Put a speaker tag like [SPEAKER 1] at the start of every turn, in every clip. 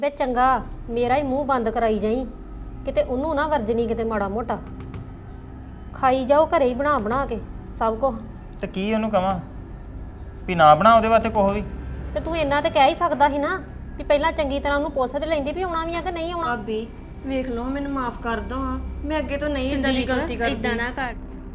[SPEAKER 1] ਵੇ ਚੰਗਾ ਮੇਰਾ ਹੀ ਮੂੰਹ ਬੰਦ ਕਰਾਈ ਜਾਈ ਕਿਤੇ ਉਹਨੂੰ ਨਾ ਵਰਜਣੀ ਕਿਤੇ ਮਾੜਾ ਮੋਟਾ ਖਾਈ ਜਾਓ ਘਰੇ ਹੀ ਬਣਾ ਬਣਾ ਕੇ ਸਭ ਕੁਝ।
[SPEAKER 2] ਤੇ ਕੀ ਉਹਨੂੰ ਕਵਾਂ ਵੀ ਨਾ ਬਣਾ ਉਹਦੇ ਵਾਸਤੇ ਕੁਛ ਵੀ।
[SPEAKER 1] ਤੇ ਤੂੰ ਇੰਨਾ ਤੇ ਕਹਿ ਹੀ ਸਕਦਾ ਸੀ ਨਾ ਵੀ ਪਹਿਲਾਂ ਚੰਗੀ ਤਰ੍ਹਾਂ ਉਹਨੂੰ ਪੁੱਛ ਤੇ ਲੈਂਦੀ ਵੀ ਆਉਣਾ ਵੀ ਆ ਕਿ ਨਹੀਂ ਆਉਣਾ।
[SPEAKER 3] ਭਾਬੀ ਵੇਖ ਲਓ ਮੈਨੂੰ ਮਾਫ ਕਰ ਦੋ ਹਾਂ, ਮੈਂ ਅੱਗੇ ਤੋਂ ਨਹੀਂ ਇਦਾਂ ਦੀ ਗਲਤੀ ਕਰਦੀ।
[SPEAKER 4] ਇਦਾਂ ਨਾ ਕਰ।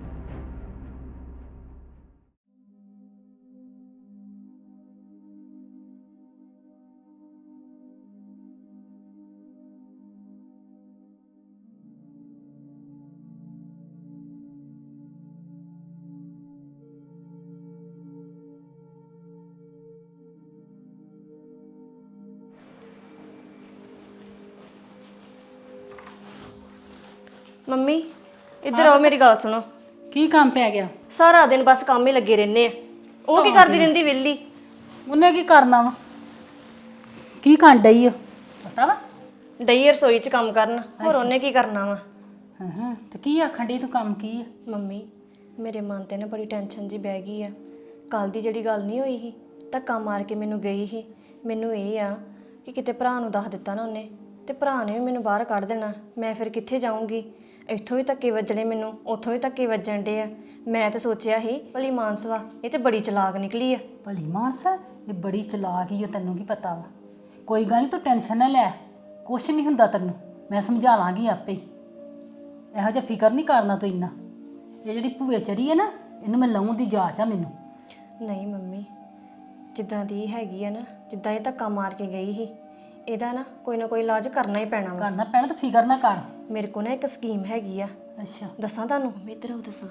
[SPEAKER 3] ਮੰਮੀ ਇੱਧਰ ਆਓ, ਮੇਰੀ ਗੱਲ ਸੁਣੋ।
[SPEAKER 5] ਕੀ ਕੰਮ ਪੈ ਗਿਆ?
[SPEAKER 3] ਸਾਰਾ ਦਿਨ ਬਸ ਕੰਮ ਹੀ ਲੱਗੇ ਰਹਿੰਦੇ ਆ। ਉਹ ਕੀ ਕਰਦੀ ਰਹਿੰਦੀ ਵਿਹਲੀ?
[SPEAKER 5] ਉਹਨੇ ਕੀ ਕਰਨਾ ਵਾ? ਕੀ ਕਰਨ ਡਈ ਆ ਪਤਾ ਵਾ?
[SPEAKER 3] ਡਈ ਰਸੋਈ 'ਚ ਕੰਮ ਕਰਨ, ਹੋਰ ਉਹਨੇ ਕੀ ਕਰਨਾ ਵਾ?
[SPEAKER 5] ਹਾਂ ਤੇ ਕੀ ਆਖਣ ਡਈ ਤੂੰ? ਕੰਮ ਕੀ ਆ?
[SPEAKER 3] ਮੰਮੀ ਮੇਰੇ ਮਨ ਤੇ ਨਾ ਬੜੀ ਟੈਨਸ਼ਨ ਜੀ ਬਹਿ ਗਈ ਆ। ਕੱਲ ਦੀ ਜਿਹੜੀ ਗੱਲ ਨਹੀਂ ਹੋਈ ਸੀ, ਧੱਕਾ ਮਾਰ ਕੇ ਮੈਨੂੰ ਗਈ ਸੀ। ਮੈਨੂੰ ਇਹ ਆ ਕਿ ਕਿਤੇ ਭਰਾ ਨੂੰ ਦੱਸ ਦਿੱਤਾ ਨਾ ਉਹਨੇ ਤੇ ਭਰਾ ਨੇ ਵੀ ਮੈਨੂੰ ਬਾਹਰ ਕੱਢ ਦੇਣਾ। ਮੈਂ ਫਿਰ ਕਿੱਥੇ ਜਾਊਂਗੀ? ਇੱਥੋਂ ਵੀ ਧੱਕੇ ਵੱਜਣੇ ਮੈਨੂੰ, ਉੱਥੋਂ ਵੀ ਧੱਕੇ ਵੱਜਣ ਡੇ ਆ। ਮੈਂ ਤਾਂ ਸੋਚਿਆ ਸੀ ਭਲੀ ਮਾਨਸ ਵਾ, ਇਹ ਤੇ ਬੜੀ ਚਲਾਕ ਨਿਕਲੀ ਆ।
[SPEAKER 5] ਭਲੀ ਮਾਨਸ ਇਹ ਬੜੀ ਚਲਾਕ ਹੀ ਆ, ਤੈਨੂੰ ਕੀ ਪਤਾ ਵਾ? ਕੋਈ ਗੱਲ ਨਹੀਂ, ਤੂੰ ਟੈਨਸ਼ਨ ਨਾ ਲੈ, ਕੁਛ ਨਹੀਂ ਹੁੰਦਾ ਤੈਨੂੰ, ਮੈਂ ਸਮਝਾ ਲਾਂਗੀ ਆਪੇ ਹੀ। ਇਹੋ ਜਿਹਾ ਫਿਕਰ ਨਹੀਂ ਕਰਨਾ ਤੂੰ ਇੰਨਾ। ਇਹ ਜਿਹੜੀ ਭੂਏ ਚੜੀ ਹੈ ਨਾ, ਇਹਨੂੰ ਮੈਂ ਲਾਉਣ ਦੀ ਜਾਚ ਆ ਮੈਨੂੰ।
[SPEAKER 3] ਨਹੀਂ ਮੰਮੀ, ਜਿੱਦਾਂ ਦੀ ਹੈਗੀ ਆ ਨਾ, ਜਿੱਦਾਂ ਇਹ ਧੱਕਾ ਮਾਰ ਕੇ ਗਈ ਸੀ, ਇਹਦਾ ਨਾ ਕੋਈ ਇਲਾਜ ਕਰਨਾ ਹੀ ਪੈਣਾ ਵਾ।
[SPEAKER 5] ਕਰਨਾ ਪੈਣਾ ਤਾਂ ਫਿਕਰ ਨਾ ਕਰ।
[SPEAKER 3] ਮੇਰੇ ਕੋਲ ਨਾ ਇੱਕ ਸਕੀਮ ਹੈਗੀ ਆ।
[SPEAKER 5] ਅੱਛਾ
[SPEAKER 3] ਦੱਸਾਂ ਤੁਹਾਨੂੰ? ਇੱਧਰ ਆਓ ਦੱਸਾਂ।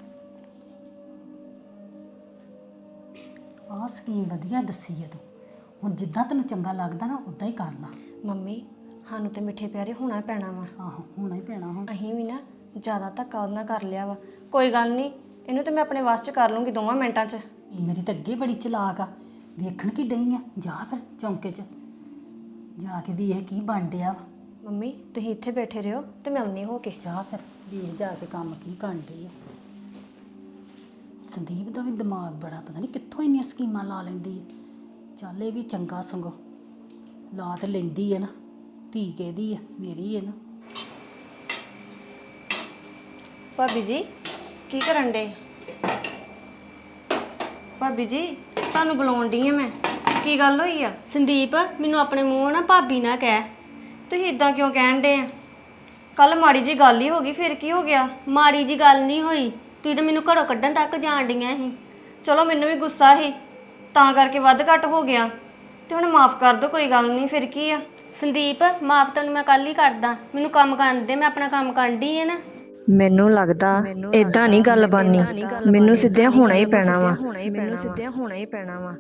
[SPEAKER 5] ਆਹ ਸਕੀਮ ਵਧੀਆ ਦੱਸੀ ਆ ਤੂੰ। ਹੁਣ ਜਿੱਦਾਂ ਤੈਨੂੰ ਚੰਗਾ ਲੱਗਦਾ ਨਾ ਉਦਾਂ ਹੀ ਕਰ ਲਾ।
[SPEAKER 3] ਮੰਮੀ ਸਾਨੂੰ ਤੇ ਮਿੱਠੇ ਪਿਆਰੇ ਹੋਣਾ ਪੈਣਾ ਵਾ।
[SPEAKER 5] ਆਹੋ ਹੋਣਾ ਹੀ ਪੈਣਾ ਹੁਣ।
[SPEAKER 3] ਅਸੀਂ ਵੀ ਨਾ ਜ਼ਿਆਦਾ ਧੱਕਾ ਉਹਦੇ ਨਾਲ ਕਰ ਲਿਆ ਵਾ। ਕੋਈ ਗੱਲ ਨਹੀਂ, ਇਹਨੂੰ ਤੇ ਮੈਂ ਆਪਣੇ ਵੱਸ 'ਚ ਕਰ ਲੂੰਗੀ 2 ਮਿੰਟਾਂ 'ਚ।
[SPEAKER 5] ਇਹ ਮੇਰੀ ਤਾਂ ਅੱਗੇ ਬੜੀ ਚਲਾਕ ਆ। ਵੇਖਣ ਕੀ ਡਈ ਆ? ਜਾ ਫਿਰ ਚੌਂਕੇ 'ਚ ਜਾ ਕੇ ਵੀ ਇਹ ਕੀ ਬਣ ਡਿਆ ਵਾ।
[SPEAKER 3] ਮੰਮੀ ਤੁਸੀਂ ਇੱਥੇ ਬੈਠੇ ਰਹੋ ਤੇ ਮੈਂ ਆਉਣੀ ਹੋ ਕੇ।
[SPEAKER 5] ਜਾ ਫਿਰ ਵੇਖ ਜਾ ਕੇ ਕੰਮ ਕੀ ਕਰਨ ਡਈ ਆ। ਸੰਦੀਪ ਦਾ ਵੀ ਦਿਮਾਗ ਬੜਾ, ਪਤਾ ਨਹੀਂ ਕਿੱਥੋਂ ਇੰਨੀਆਂ ਸਕੀਮਾਂ ਲਾ ਲੈਂਦੀ ਆ। ਚੱਲ ਇਹ ਵੀ ਚੰਗਾ ਸੰਗੋ ਲਾ ਤੇ ਲੈਂਦੀ ਆ ਨਾ। ਧੀ ਕਿਹਦੀ ਆ? ਮੇਰੀ ਆ ਨਾ।
[SPEAKER 3] ਭਾਬੀ ਜੀ ਕੀ ਕਰਨ ਡੇ? ਭਾਬੀ ਜੀ ਤੁਹਾਨੂੰ ਬੁਲਾਉਣ ਡਈ ਆ ਮੈਂ। ਕੀ ਗੱਲ ਹੋਈ ਆ?
[SPEAKER 4] ਸੰਦੀਪ ਮੈਨੂੰ ਆਪਣੇ ਮੂੰਹੋਂ ਨਾ ਭਾਬੀ ਨਾ ਕਹਿ।
[SPEAKER 3] ਤੁਸੀਂ ਇਦਾਂ ਕਿਉਂ ਕਹਿਣ ਡੇ ਆ? ਕੱਲ ਮਾੜੀ ਜੀ ਗੱਲ ਹੀ ਹੋ ਗਈ, ਫਿਰ ਕੀ ਹੋ ਗਿਆ?
[SPEAKER 4] ਮਾੜੀ ਜੀ ਗੱਲ ਨਹੀਂ ਹੋਈ, ਤੂੰ ਤਾਂ ਮੈਨੂੰ ਘਰੋਂ ਕੱਢਣ ਤੱਕ ਜਾਣ ਡੀਆਂ ਸੀ।
[SPEAKER 3] ਚਲੋ ਮੈਨੂੰ ਵੀ ਗੁੱਸਾ ਸੀ, ਤਾਂ ਕਰਕੇ ਵੱਧ ਘੱਟ ਹੋ ਗਿਆ ਤੇ ਹੁਣ ਮਾਫ ਕਰ ਦਿਓ, ਕੋਈ ਗੱਲ ਨਹੀਂ, ਫਿਰ ਕੀ ਆ?
[SPEAKER 4] ਸੰਦੀਪ ਮਾਫ ਤੈਨੂੰ ਮੈਂ ਕੱਲ ਹੀ ਕਰਦਾ, ਮੈਨੂੰ ਕੰਮ ਕਰਨ ਦੇ, ਮੈਂ ਆਪਣਾ ਕੰਮ ਕਰਨ ਡਈ ਆ ਨਾ।
[SPEAKER 3] ਮੈਨੂੰ ਲੱਗਦਾ ਇਦਾਂ ਨਹੀਂ ਗੱਲ ਬਣਨੀ। ਮੈਨੂੰ ਸਿੱਧਿਆਂ ਹੋਣਾ ਹੀ ਪੈਣਾ ਵਾ। ਮੈਨੂੰ ਸਿੱਧਿਆਂ ਹੋਣਾ ਹੀ ਪੈਣਾ ਵਾ।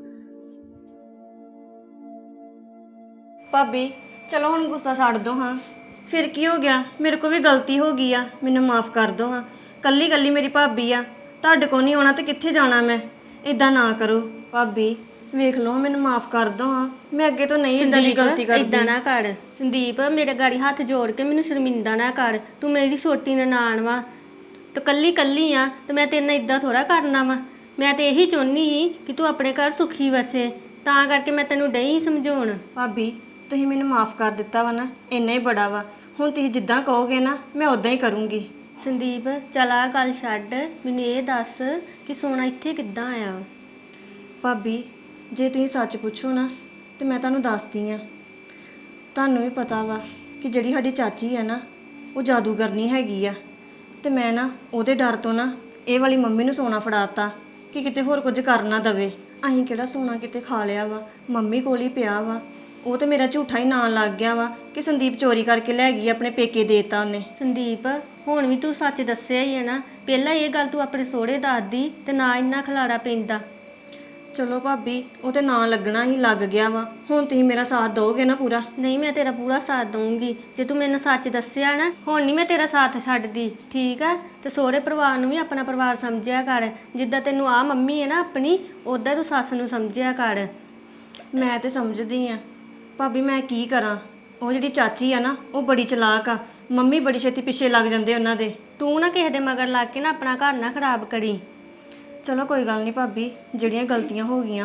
[SPEAKER 3] ਭਾਬੀ ਚਲੋ ਹੁਣ ਗੁੱਸਾ ਛੱਡ ਦੋ ਹਾਂ। ਫਿਰ ਕੀ ਹੋ ਗਿਆ? ਮੇਰੇ ਕੋਲ ਵੀ ਗਲਤੀ ਹੋ ਗਈ ਆ, ਮੈਨੂੰ ਮਾਫ ਕਰ ਦੋ ਹਾਂ। ਕੱਲੀ ਕੱਲੀ ਮੇਰੀ ਭਾਬੀ ਆ, ਤੁਹਾਡੇ ਕੋਲ ਨਹੀਂ ਆਉਣਾ ਤੇ ਕਿੱਥੇ ਜਾਣਾ ਮੈਂ? ਇਦਾਂ ਨਾ ਕਰੋ ਭਾਬੀ, ਵੇਖ ਲਓ ਮੈਨੂੰ ਮਾਫ ਕਰ ਦੋ ਹਾਂ। ਮੈਂ ਅੱਗੇ ਤੋਂ ਨਹੀਂ ਇਦਾਂ ਦੀ ਗਲਤੀ ਕਰਦੀ।
[SPEAKER 4] ਇਦਾਂ ਨਾ ਕਰ ਸੰਦੀਪ, ਮੇਰੇ ਗਾੜੀ ਹੱਥ ਜੋੜ ਕੇ ਮੈਨੂੰ ਸ਼ਰਮਿੰਦਾ ਨਾ ਕਰ। ਤੂੰ ਮੇਰੀ ਛੋਟੀ ਨਨਾਣ ਵਾ ਤੇ ਕੱਲੀ ਆ, ਤੇ ਮੈਂ ਤੇਰੇ ਨਾਲ ਇਦਾਂ ਥੋੜਾ ਕਰਨਾ ਵਾ। ਮੈਂ ਤੇ ਇਹੀ ਚਾਹੁੰਦੀ ਸੀ ਕਿ ਤੂੰ ਆਪਣੇ ਘਰ ਸੁਖੀ ਵਸੇ, ਤਾਂ ਕਰਕੇ ਮੈਂ ਤੈਨੂੰ ਡਈ ਸਮਝਾਉਣ।
[SPEAKER 3] ਭਾਬੀ ਤੁਸੀਂ ਮੈਨੂੰ ਮਾਫ ਕਰ ਦਿੱਤਾ ਵਾ ਨਾ, ਇੰਨਾ ਹੀ ਬੜਾ ਵਾ। ਹੁਣ ਤੁਸੀਂ ਜਿੱਦਾਂ ਕਹੋਗੇ ਨਾ ਮੈਂ ਉਦਾਂ ਹੀ ਕਰੂੰਗੀ।
[SPEAKER 4] ਸੰਦੀਪ ਚੱਲ ਆਹ ਗੱਲ ਛੱਡ, ਮੈਨੂੰ ਇਹ ਦੱਸ ਕਿ ਸੋਨਾ ਇੱਥੇ ਕਿੱਦਾਂ ਆਇਆ?
[SPEAKER 3] ਭਾਬੀ ਜੇ ਤੁਸੀਂ ਸੱਚ ਪੁੱਛੋ ਨਾ ਤੇ ਮੈਂ ਤੁਹਾਨੂੰ ਦੱਸਦੀ ਆ। ਤੁਹਾਨੂੰ ਵੀ ਪਤਾ ਵਾ ਕਿ ਜਿਹੜੀ ਸਾਡੀ ਚਾਚੀ ਆ ਨਾ, ਉਹ ਜਾਦੂਗਰਨੀ ਹੈਗੀ ਆ, ਤੇ ਮੈਂ ਨਾ ਉਹਦੇ ਡਰ ਤੋਂ ਨਾ ਇਹ ਵਾਲੀ ਮੰਮੀ ਨੂੰ ਸੋਨਾ ਫੜਾਤਾ ਕਿ ਕਿਤੇ ਹੋਰ ਕੁਝ ਕਰ ਨਾ ਦਵੇ। ਅਸੀਂ ਕਿਹੜਾ ਸੋਨਾ ਕਿਤੇ ਖਾ ਲਿਆ ਵਾ, ਮੰਮੀ ਕੋਲ ਹੀ ਪਿਆ ਵਾ। ਉਹ ਤੇ ਮੇਰਾ ਝੂਠਾ ਹੀ ਨਾਂ ਲੱਗ ਗਿਆ ਵਾ ਕਿ ਸੰਦੀਪ ਚੋਰੀ ਕਰਕੇ ਲੈ ਗਈ, ਆਪਣੇ ਪੇਕੇ ਦੇਤਾ ਉਹਨੇ।
[SPEAKER 4] ਸੰਦੀਪ ਹੁਣ ਵੀ ਤੂੰ ਸੱਚ ਦੱਸਿਆ ਹੀ ਹੈ ਨਾ, ਪਹਿਲਾਂ ਇਹ ਗੱਲ ਤੂੰ ਆਪਣੇ ਸਹੁਰੇ ਦੱਸਦੀ ਤੇ ਨਾ ਇੰਨਾ ਖਲਾਰਾ ਪੈਂਦਾ।
[SPEAKER 3] ਚਲੋ ਭਾਬੀ ਉਹ ਤੇ ਨਾਂ ਲੱਗਣਾ ਹੀ ਲੱਗ ਗਿਆ ਵਾ। ਹੁਣ ਤੁਸੀਂ ਮੇਰਾ ਸਾਥ ਦਿਓਗੇ ਨਾ ਪੂਰਾ?
[SPEAKER 4] ਨਹੀਂ ਮੈਂ ਤੇਰਾ ਪੂਰਾ ਸਾਥ ਦਊਂਗੀ ਜੇ ਤੂੰ ਮੈਨੂੰ ਸੱਚ ਦੱਸਿਆ ਨਾ। ਹੁਣ ਨਹੀਂ ਮੈਂ ਤੇਰਾ ਸਾਥ ਛੱਡਦੀ, ਠੀਕ ਆ? ਤੇ ਸਹੁਰੇ ਪਰਿਵਾਰ ਨੂੰ ਵੀ ਆਪਣਾ ਪਰਿਵਾਰ ਸਮਝਿਆ ਕਰ। ਜਿੱਦਾਂ ਤੈਨੂੰ ਆ ਮੰਮੀ ਹੈ ਨਾ ਆਪਣੀ, ਉੱਦਾਂ ਤੂੰ ਸੱਸ ਨੂੰ ਸਮਝਿਆ ਕਰ।
[SPEAKER 3] ਮੈਂ ਤੇ ਸਮਝਦੀ ਆ ਭਾਬੀ, ਮੈਂ ਕੀ ਕਰਾਂ? ਉਹ ਜਿਹੜੀ ਚਾਚੀ ਆ ਨਾ, ਉਹ ਬੜੀ ਚਲਾਕ ਆ। ਮੰਮੀ ਬੜੀ ਛੇਤੀ ਪਿੱਛੇ ਲੱਗ ਜਾਂਦੇ ਉਹਨਾਂ ਦੇ।
[SPEAKER 4] ਤੂੰ ਨਾ ਕਿਸੇ ਦੇ ਮਗਰ ਲੱਗ ਕੇ ਨਾ ਆਪਣਾ ਘਰ ਨਾ ਖਰਾਬ ਕਰੀ।
[SPEAKER 3] ਚਲੋ ਕੋਈ ਗੱਲ ਨਹੀਂ ਭਾਬੀ, ਜਿਹੜੀਆਂ ਗਲਤੀਆਂ ਹੋ ਗਈਆਂ ਵਾ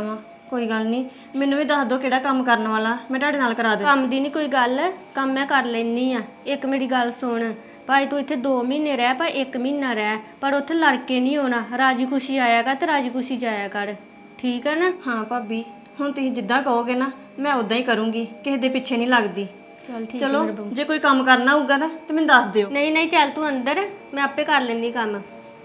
[SPEAKER 3] ਕੋਈ ਗੱਲ ਨਹੀਂ, ਮੈਨੂੰ ਵੀ ਦੱਸ ਦਿਓ ਕਿਹੜਾ ਕੰਮ ਕਰਨ ਵਾਲਾ, ਮੈਂ ਤੁਹਾਡੇ ਨਾਲ ਕਰਾ ਦੇ।
[SPEAKER 4] ਕੰਮ ਦੀ ਨਹੀਂ ਕੋਈ ਗੱਲ, ਕੰਮ ਮੈਂ ਕਰ ਲੈਣੀ ਆ। ਇੱਕ ਮੇਰੀ ਗੱਲ ਸੁਣ, ਭਾਈ ਤੂੰ ਇੱਥੇ 2 ਮਹੀਨੇ ਰਹਿ, ਪਰ 1 ਮਹੀਨਾ ਰਹਿ, ਪਰ ਉੱਥੇ ਲੜ ਕੇ ਨਹੀਂ ਹੋਣਾ। ਰਾਜੀ ਖੁਸ਼ੀ ਆਇਆ ਕਰ ਤੇ ਰਾਜੀ ਖੁਸ਼ੀ ਜਾਇਆ ਕਰ, ਠੀਕ ਆ ਨਾ?
[SPEAKER 3] ਹਾਂ ਭਾਬੀ, ਹੁਣ ਤੁਸੀਂ ਜਿੱਦਾਂ ਕਹੋਗੇ ਨਾ ਮੈਂ ਉਦਾਂ ਹੀ ਕਰੂੰਗੀ, ਕਿਸੇ ਦੇ ਪਿੱਛੇ ਨਹੀਂ ਲੱਗਦੀ।
[SPEAKER 4] ਚੱਲ ਠੀਕ
[SPEAKER 3] ਚਲੋ ਜੇ ਕੋਈ ਕੰਮ ਕਰਨਾ ਹੋਊਗਾ ਨਾ ਤੇ ਮੈਨੂੰ ਦੱਸ ਦਿਓ।
[SPEAKER 4] ਨਹੀਂ ਨਹੀਂ, ਚੱਲ ਤੂੰ ਅੰਦਰ, ਮੈਂ ਆਪੇ ਕਰ ਲੈਂਦੀ ਕੰਮ।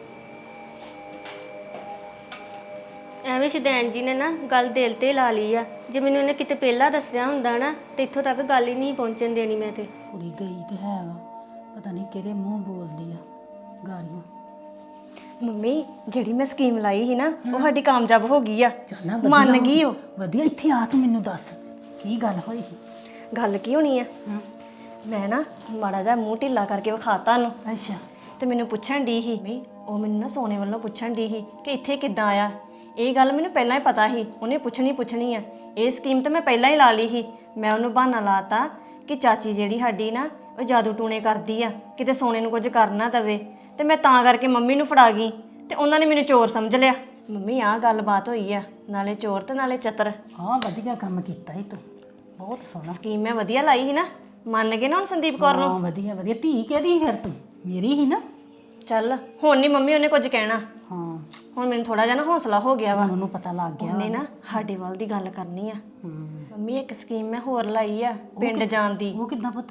[SPEAKER 4] ਐਵੇਂ ਸ਼ਦੈਨ ਜੀ ਨੇ ਨਾ ਗੱਲ ਦਿਲ ਤੇ ਲਾ ਲਈ ਆ। ਜੇ ਮੈਨੂੰ ਇਹਨੇ ਕਿਤੇ ਪਹਿਲਾਂ ਦੱਸਿਆ ਹੁੰਦਾ ਨਾ ਤੇ ਇੱਥੋਂ ਤੱਕ ਗੱਲ ਹੀ ਨਹੀਂ ਪਹੁੰਚਣ ਦੇਣੀ ਮੈਂ ਤੇ।
[SPEAKER 5] ਕੁੜੀ ਗਈ ਤੇ ਹੈ ਵਾ, ਪਤਾ ਨਹੀਂ ਕਿਹੜੇ ਮੂੰਹ ਬੋਲਦੀ ਆ ਗਾੜੀਆਂ।
[SPEAKER 3] ਮੰਮੀ ਜਿਹੜੀ ਮੈਂ ਸਕੀਮ ਲਾਈ ਸੀ ਨਾ ਉਹ ਸਾਡੀ ਕਾਮਯਾਬ ਹੋ ਗਈ ਆ,
[SPEAKER 5] ਚੱਲ ਨਾ ਵਧੀਆ
[SPEAKER 3] ਮੰਨ ਗਈ ਉਹ।
[SPEAKER 5] ਵਧੀਆ, ਇੱਥੇ ਆ ਤੂੰ ਮੈਨੂੰ ਦੱਸ ਕੀ ਗੱਲ ਹੋਈ ਸੀ?
[SPEAKER 3] ਗੱਲ ਕੀ ਹੋਣੀ ਆ, ਮੈਂ ਨਾ ਮਾੜਾ ਜਿਹਾ ਮੂੰਹ ਢਿੱਲਾ ਕਰਕੇ ਵਿਖਾਤਾ ਉਹਨੂੰ
[SPEAKER 5] ਅੱਛਾ।
[SPEAKER 3] ਤੇ ਮੈਨੂੰ ਪੁੱਛਣ ਦੀ ਸੀ ਵੀ ਉਹ ਮੈਨੂੰ ਨਾ ਸੋਨੇ ਵੱਲੋਂ ਪੁੱਛਣ ਦੀ ਸੀ ਕਿ ਇੱਥੇ ਕਿੱਦਾਂ ਆਇਆ। ਇਹ ਗੱਲ ਮੈਨੂੰ ਪਹਿਲਾਂ ਹੀ ਪਤਾ ਸੀ, ਉਹਨੇ ਪੁੱਛਣੀ ਆ। ਇਹ ਸਕੀਮ ਤਾਂ ਮੈਂ ਪਹਿਲਾਂ ਹੀ ਲਾ ਲਈ ਸੀ। ਮੈਂ ਉਹਨੂੰ ਬਹਾਨਾ ਲਾਤਾ ਕਿ ਚਾਚੀ ਜਿਹੜੀ ਸਾਡੀ ਨਾ ਉਹ ਜਾਦੂ ਟੂਣੇ ਕਰਦੀ ਆ, ਕਿਤੇ ਸੋਨੇ ਨੂੰ ਕੁਝ ਕਰ ਨਾ ਦਵੇ, ਤੇ ਮੈਂ ਤਾਂ ਕਰਕੇ ਮੰਮੀ ਨੂੰ ਫੜਾ ਗਈ ਤੇ ਉਹਨਾਂ ਨੇ ਮੈਨੂੰ ਚੋਰ ਸਮਝ ਲਿਆ। ਮੰਮੀ ਆਹ ਗੱਲਬਾਤ ਹੋਈ ਆ, ਨਾਲੇ ਚੋਰ ਤੇ ਨਾਲੇ ਚਤਰ।
[SPEAKER 5] ਹਾਂ ਵਧੀਆ ਕੰਮ ਕੀਤਾ ਈ ਤੂੰ, ਬਹੁਤ ਸੋਹਣਾ।
[SPEAKER 3] ਸਕੀਮ ਮੈਂ ਵਧੀਆ ਲਾਈ ਸੀ ਨਾ, ਮੰਨ ਗਏ ਨਾ ਹੁਣ ਸੰਦੀਪ ਕੌਰ ਨੂੰ?
[SPEAKER 5] ਹਾਂ ਵਧੀਆ ਵਧੀਆ। ਧੀ ਕਿਹਦੀ ਫਿਰ ਤੂੰ? ਮੇਰੀ ਹੀ ਨਾ।
[SPEAKER 3] ਚੱਲ ਹੁਣ ਨਹੀਂ ਮੰਮੀ ਉਹਨੇ ਕੁਝ ਕਹਿਣਾ,
[SPEAKER 5] ਹਾਂ
[SPEAKER 3] ਹੁਣ ਮੈਨੂੰ ਥੋੜਾ ਜਿਹਾ ਨਾ ਹੌਸਲਾ ਹੋ ਗਿਆ ਵਾ।
[SPEAKER 5] ਹੁਣ ਉਹਨੂੰ ਪਤਾ ਲੱਗ ਗਿਆ।
[SPEAKER 3] ਉਹਨੇ ਨਾ ਸਾਡੇ ਵੱਲ ਦੀ ਗੱਲ ਕਰਨੀ ਆ। ਮੰਮੀ ਇੱਕ ਸਕੀਮ ਮੈਂ ਹੋਰ ਲਾਈ ਆ ਪਿੰਡ ਜਾਣ ਦੀ।
[SPEAKER 5] ਉਹ ਕਿੱਦਾਂ ਪੁੱਤ?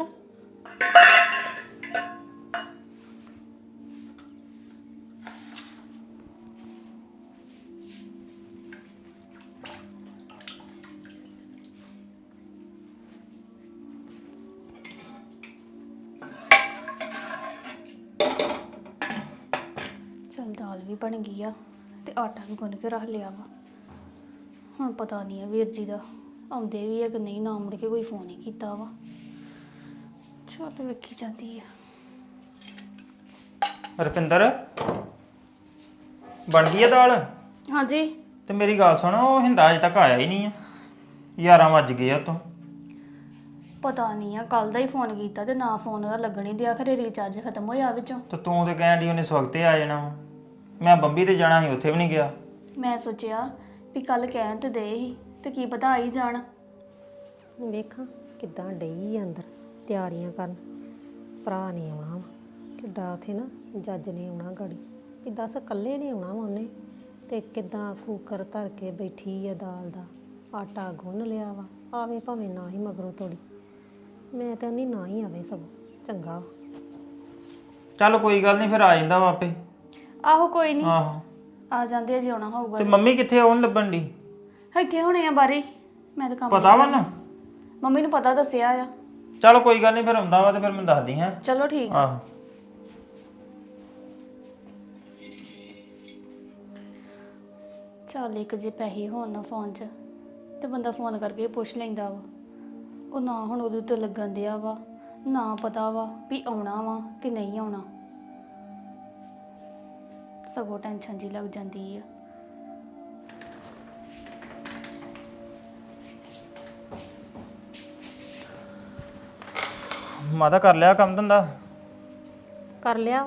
[SPEAKER 6] ਚਲ ਦਾਲ ਵੀ ਬਣ ਗਈ ਆ ਤੇ ਆਟਾ ਵੀ ਗੁੰਨ ਕੇ ਰੱਖ ਲਿਆ ਵਾ। ਹੁਣ ਪਤਾ ਨਹੀਂ ਆ ਵੀਰ ਜੀ ਦਾ ਆਉਂਦੇ ਵੀ ਆ ਕਿ ਨਹੀਂ, ਨਾ ਮੁੜ ਕੇ ਕੋਈ ਫੋਨ ਹੀ ਕੀਤਾ ਵਾ। ਚਲ ਵੇਖੀ ਜਾਂਦੀ ਆ।
[SPEAKER 2] ਰੁਪਿੰਦਰ, ਬਣ ਗਈ ਆ ਦਾਲ?
[SPEAKER 6] ਹਾਂਜੀ।
[SPEAKER 2] ਤੇ ਮੇਰੀ ਗੱਲ ਸੁਣ, ਉਹ ਹਿੰਦਾ ਅਜੇ ਤੱਕ ਆਇਆ ਹੀ ਨਹੀਂ ਆ। 11 ਵੱਜ ਗਏ ਆ ਤੋਂ।
[SPEAKER 6] ਪਤਾ ਨਹੀਂ ਆ, ਕੱਲ ਦਾ ਹੀ ਫੋਨ ਕੀਤਾ ਤੇ ਨਾ ਫੋਨ ਉਹਦਾ ਲੱਗਣ ਹੀ ਦਿਆ, ਖਰੇ ਰੀਚਾਰਜ ਖਤਮ ਹੋਇਆ ਵਿੱਚੋਂ।
[SPEAKER 2] ਤੇ ਤੂੰ ਤੇ ਕਹਿਣ ਡਈ ਉਹਨੇ ਸਵਖਤੇ ਆ ਜਾਣਾ ਵਾ। ਮੈਂ ਬੰਬੀ ਤੇ ਜਾਣਾ ਸੀ, ਉੱਥੇ ਵੀ ਨਹੀਂ ਗਿਆ।
[SPEAKER 6] ਮੈਂ ਸੋਚਿਆ ਵੀ ਕੱਲ ਕਹਿਣ ਤੇ ਦੇ ਹੀ ਤੇ ਕੀ ਪਤਾ ਆ ਹੀ ਜਾਣ।
[SPEAKER 1] ਵੇਖਾਂ ਕਿੱਦਾਂ ਡਈ ਆ ਅੰਦਰ ਤਿਆਰੀਆਂ ਕਰਨ। ਭਰਾ ਨੇ ਆਉਣਾ ਵਾ, ਕਿੱਡਾ ਉਥੇ ਨਾ ਜੱਜ ਨੇ ਆਉਣਾ ਗਾੜੀ ਵੀ ਦੱਸ ਇਕੱਲੇ ਨੇ ਆਉਣਾ ਵਾ ਉਹਨੇ, ਤੇ ਕਿੱਦਾਂ ਕੂਕਰ ਧਰ ਕੇ ਬੈਠੀ ਆ ਦਾਲ ਦਾ, ਆਟਾ ਗੁੰਨ ਲਿਆ ਵਾ। ਆਵੇ ਭਾਵੇਂ ਨਾ ਹੀ ਮਗਰੋਂ ਤੋੜੀ, ਮੈਂ ਤਾਂ ਨਹੀਂ ਨਾ ਹੀ ਆਵੇ, ਸਗੋਂ ਚੰਗਾ ਵਾ।
[SPEAKER 2] ਚੱਲ ਕੋਈ ਗੱਲ ਨਹੀਂ, ਫਿਰ ਆ ਜਾਂਦਾ ਵਾ ਆਪੇ।
[SPEAKER 6] ਆਹੋ ਕੋਈ ਨਹੀਂ,
[SPEAKER 2] ਆਹੋ
[SPEAKER 6] ਆ ਜਾਂਦੇ ਆ ਜੇ ਆਉਣਾ ਹੋਊਗਾ।
[SPEAKER 2] ਤੇ ਮੰਮੀ ਕਿੱਥੇ ਆਉਣ ਲੱਭਣ ਦੀ?
[SPEAKER 6] ਇੱਥੇ ਹੋਣੇ ਆ ਬਾਰੇ, ਮੈਂ ਤਾਂ ਕੰਮ
[SPEAKER 2] ਪਤਾ ਵਾ ਨਾ?
[SPEAKER 6] ਮੰਮੀ ਨੂੰ ਪਤਾ ਦੱਸਿਆ ਆ।
[SPEAKER 2] ਚੱਲ ਕੋਈ ਗੱਲ ਨਹੀਂ, ਫਿਰ ਆਉਂਦਾ ਵਾ ਤੇ ਫਿਰ ਮੈਨੂੰ ਦੱਸਦੀ ਹੈ।
[SPEAKER 6] ਚਲੋ ਠੀਕ ਆ।
[SPEAKER 2] ਆਹੋ
[SPEAKER 6] ਚੱਲ ਇੱਕ ਜੇ ਪੈਸੇ ਹੋਣ ਨਾ ਫੋਨ 'ਚ ਤੇ ਬੰਦਾ ਫੋਨ ਕਰਕੇ ਪੁੱਛ ਲੈਂਦਾ ਵਾ। ਉਹ ਨਾ ਹੁਣ ਉਹਦੇ ਉੱਤੇ ਲੱਗਣ ਦਿਆ ਵਾ, ਨਾ ਪਤਾ ਵਾ ਵੀ ਆਉਣਾ ਵਾ ਕਿ ਨਹੀਂ ਆਉਣਾ। ਸਗੋਂ ਟੈਨਸ਼ਨ ਜੀ ਲੱਗ ਜਾਂਦੀ ਆ।
[SPEAKER 2] ਮਾਤਾ ਕਰ ਲਿਆ ਕੰਮ ਧੰਦਾ?
[SPEAKER 1] ਕਰ ਲਿਆ।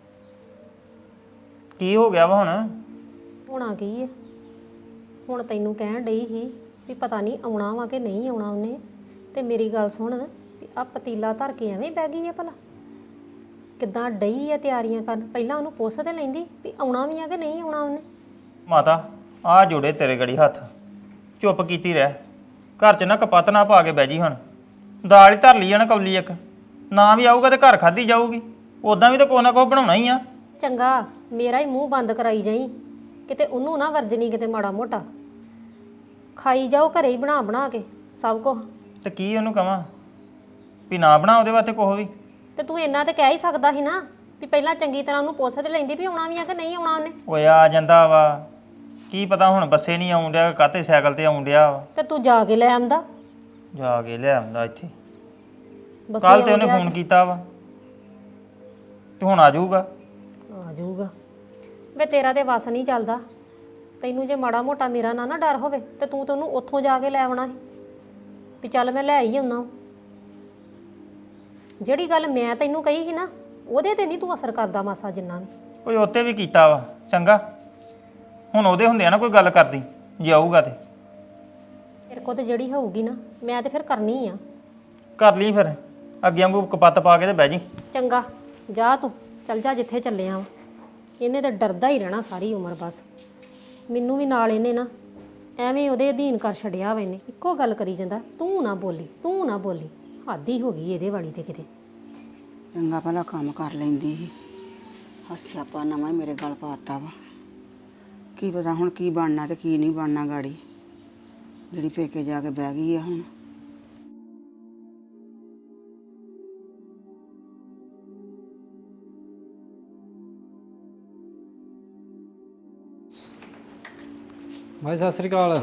[SPEAKER 2] ਕੀ ਹੋ ਗਿਆ ਵਾ ਹੁਣ?
[SPEAKER 1] ਹੋਣਾ ਕੀ ਹੈ, ਹੁਣ ਤੈਨੂੰ ਕਹਿਣ ਡਈ ਸੀ ਵੀ ਪਤਾ ਨਹੀਂ ਆਉਣਾ ਵਾ ਕਿ ਨਹੀਂ ਆਉਣਾ ਉਹਨੇ। ਤੇ ਮੇਰੀ ਗੱਲ ਸੁਣ, ਵੀ ਆ ਪਤੀਲਾ ਧਰ ਕੇ ਐਵੇਂ ਬਹਿ ਗਈ ਆ ਭਲਾ? ਕਿੱਦਾਂ ਡਈ ਆ ਤਿਆਰੀਆਂ ਕਰਨ? ਪਹਿਲਾਂ ਉਹਨੂੰ ਪੁੱਛ ਤੇ ਲੈਂਦੀ ਵੀ ਆਉਣਾ ਵੀ ਆ ਕਿ ਨਹੀਂ ਆਉਣਾ ਉਹਨੇ।
[SPEAKER 2] ਮਾਤਾ ਆ ਜੋੜੇ ਤੇਰੇ ਗੜੀ ਹੱਥ, ਚੁੱਪ ਕੀਤੀ ਰਹਿ। ਘਰ 'ਚ ਨਾ ਕਪੱਤ ਨਾ ਪਾ ਕੇ ਬਹਿ ਜੀ। ਹੁਣ ਦਾਲ ਹੀ ਧਰ ਲਈ ਆ ਨਾ ਕੌਲੀ ਇੱਕ, ਨਾ ਵੀ ਆਊਗਾ ਤੇ ਘਰ ਖਾਧੀ ਜਾਊਗੀ। ਉਦਾਂ ਵੀ ਤਾਂ ਕੋਈ ਨਾ ਕੋਈ ਬਣਾਉਣਾ ਹੀ ਆ।
[SPEAKER 1] ਚੰਗਾ ਮੇਰਾ ਹੀ ਮੂੰਹ ਬੰਦ ਕਰਾਈ ਜਾਈ, ਕਿਤੇ ਉਹਨੂੰ ਨਾ ਵਰਜਣੀ ਕਿਤੇ ਮਾੜਾ ਮੋਟਾ। ਖਾਈ ਜਾਓ ਘਰੇ ਹੀ ਬਣਾ ਬਣਾ ਕੇ ਸਭ ਕੁਝ।
[SPEAKER 2] ਤੇ ਕੀ ਉਹਨੂੰ ਕਵਾਂ ਵੀ ਨਾ ਬਣਾ ਉਹਦੇ ਵਾਸਤੇ ਕੁਛ ਵੀ?
[SPEAKER 1] ਤੇ ਤੂੰ ਇੰਨਾ ਤੇ ਕਹਿ ਹੀ ਸਕਦਾ ਸੀ ਨਾ ਵੀ ਪਹਿਲਾਂ ਚੰਗੀ ਤਰ੍ਹਾਂ ਉਹਨੂੰ ਪੁੱਛ ਤੇ ਲੈਂਦੀ ਵੀ ਆਉਣਾ ਵੀ ਆ ਕਿ ਨਹੀਂ ਆਉਣਾ ਉਹਨੇ।
[SPEAKER 2] ਓਏ ਆ ਜਾਂਦਾ ਵਾ, ਕੀ ਪਤਾ ਹੁਣ ਬੱਸੇ ਨਹੀਂ ਆਉਣ ਡਿਆ, ਕਾਹਤੇ ਸਾਈਕਲ ਤੇ ਆਉਣ ਡਿਆ ਵਾ।
[SPEAKER 1] ਤੇ ਤੂੰ ਜਾ ਕੇ ਲੈ ਆਂਦਾ।
[SPEAKER 2] ਜਾ ਕੇ ਲੈ ਆਉਂਦਾ ਇੱਥੇ।
[SPEAKER 1] ਬੱਸੇ
[SPEAKER 2] ਕੱਲ ਤੇ ਉਹਨੇ ਫੋਨ ਕੀਤਾ ਵਾ ਤੇ ਹੁਣ ਆ ਜਾਊਗਾ।
[SPEAKER 1] ਆ ਜਾਊਗਾ ਵੇ, ਤੇਰਾ ਤੇ ਵਸ ਨਹੀਂ ਚੱਲਦਾ। ਤੈਨੂੰ ਜੇ ਮਾੜਾ ਮੋਟਾ ਮੇਰਾ ਨਾ ਡਰ ਹੋਵੇ ਤੇ ਤੂੰ ਤਾਂ ਉਹਨੂੰ ਉੱਥੋਂ ਜਾ ਕੇ ਲੈ ਆਉਣਾ ਸੀ ਵੀ ਚੱਲ ਮੈਂ ਲੈ ਹੀ ਆਉਣਾ। ਜਿਹੜੀ ਗੱਲ ਮੈਂ ਤੈਨੂੰ ਕਹੀ ਸੀ ਨਾ, ਉਹਦੇ ਤੇ ਨਹੀਂ ਤੂੰ ਅਸਰ ਕਰਦਾ ਮਾਸਾ ਜਿੰਨਾ ਵੀ।
[SPEAKER 2] ਓਏ ਉੱਤੇ ਵੀ ਕੀਤਾ ਵਾ ਚੰਗਾ। ਹੁਣ ਉਹਦੇ ਹੁੰਦੇ ਆ ਨਾ ਕੋਈ ਗੱਲ ਕਰਦੀ, ਜੇ ਆਊਗਾ ਤੇ
[SPEAKER 1] ਮੇਰੇ ਕੋਲ ਤੇ ਜਿਹੜੀ ਹੋਊਗੀ ਨਾ ਮੈਂ ਤੇ ਫਿਰ ਕਰਨੀ ਆ।
[SPEAKER 2] ਕਰ ਲਈ ਫਿਰ, ਅੱਗੇ ਵਾਂਗੂ ਕਪੱਤ ਪਾ ਕੇ ਤੇ ਬਹਿ ਜੀ।
[SPEAKER 1] ਚੰਗਾ ਜਾ ਤੂੰ, ਚੱਲ ਜਾ ਜਿੱਥੇ ਚੱਲਿਆ ਵਾ। ਇਹਨੇ ਤਾਂ ਡਰਦਾ ਹੀ ਰਹਿਣਾ ਸਾਰੀ ਉਮਰ ਬਸ। ਮੈਨੂੰ ਵੀ ਨਾਲ ਇਹਨੇ ਨਾ ਐਵੇਂ ਉਹਦੇ ਅਧੀਨ ਕਰ ਛੱਡਿਆ ਵਾ। ਇਹਨੇ ਇੱਕੋ ਗੱਲ ਕਰੀ ਜਾਂਦਾ, ਤੂੰ ਨਾ ਬੋਲੀ, ਤੂੰ ਨਾ ਬੋਲੀ। ਹੱਦ ਹੀ ਹੋ ਗਈ ਇਹਦੇ ਵਾਲੀ ਤੇ ਕਿਤੇ।
[SPEAKER 7] ਚੰਗਾ ਭਲਾ ਕੰਮ ਕਰ ਲੈਂਦੀ ਸੀ, ਸਿਆਪਾ ਨਵਾਂ ਹੀ ਮੇਰੇ ਗਲ ਪਾਤਾ ਵਾ। ਕੀ ਪਤਾ ਹੁਣ ਕੀ ਬਣਨਾ ਤੇ ਕੀ ਨਹੀਂ ਬਣਨਾ ਗਾੜੀ, ਜਿਹੜੀ ਪੇਕੇ ਜਾ ਕੇ ਬਹਿ ਗਈ ਆ ਹੁਣ।
[SPEAKER 8] ਭਾਈ ਸਤਿ ਸ੍ਰੀ ਅਕਾਲ।